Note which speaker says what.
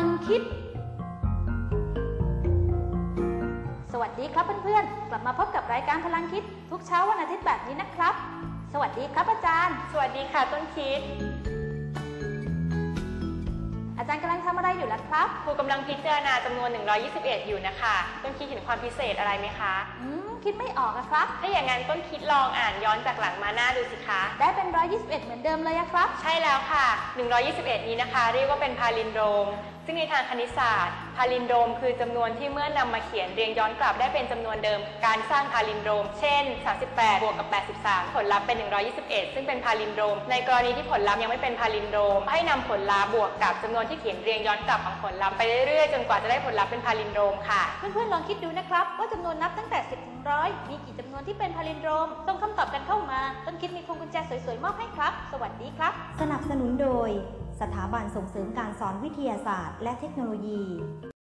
Speaker 1: คิดสวัสดีครับเพื่อนๆกลับมาพบกับรายการพลังคิดทุกเช้าวันอาทิตย์แบบนี้นะครับสวัสดีครับอาจารย์
Speaker 2: สวัสดีค่ะต้นคิด
Speaker 1: อาจารย์กำลังทำอะไรอยู่ล่ะครับ
Speaker 2: ครูกำลังพิจารณาจำนวน121อยู่นะคะต้นคิดเห็นความพิเศษอะไรไหมคะ
Speaker 1: คิดไม่ออกอะครับ
Speaker 2: ถ้าอย่างนั้นต้นคิดลองอ่านย้อนจากหลังมาหน้าดูสิคะ
Speaker 1: ได้เป็น121เหมือนเดิมเลยอะครับ
Speaker 2: ใช่แล้วค่ะ121นี้นะคะเรียกว่าเป็นพาลินโดรมซึ่งในทางคณิตศาสตร์พาลินโดรมคือจำนวนที่เมื่อนำมาเขียนเรียงย้อนกลับได้เป็นจำนวนเดิมการสร้างพาลินโดรมเช่น38บวกกับ83ผลลัพธ์เป็น121ซึ่งเป็นพาลินโดรมในกรณีที่ผลลัพธ์ยังไม่เป็นพาลินโดรมให้นำผลลัพธ์บวกกับจำนวนที่เขียนเรียงย้อนกลับของผลลัพธ์ไปเรื่อยๆจนกว่าจะได้ผลลัพธ์เป็นพาลินโดรมค่ะ
Speaker 1: เพื่อนๆลองคิดดูนะครับว่าจำนวนนับตั้งแต่10ถึง100มีกี่จำนวนที่เป็นพาลินโดรมส่งคำตอบกันเข้ามาต้นคิดมีพวงกุญแจสวยๆมอบให้ครับสวัสดีครับ
Speaker 3: สนับสนุนโดยสถาบันส่งเสริมการสอนวิทยาศาสตร์และเทคโนโลยี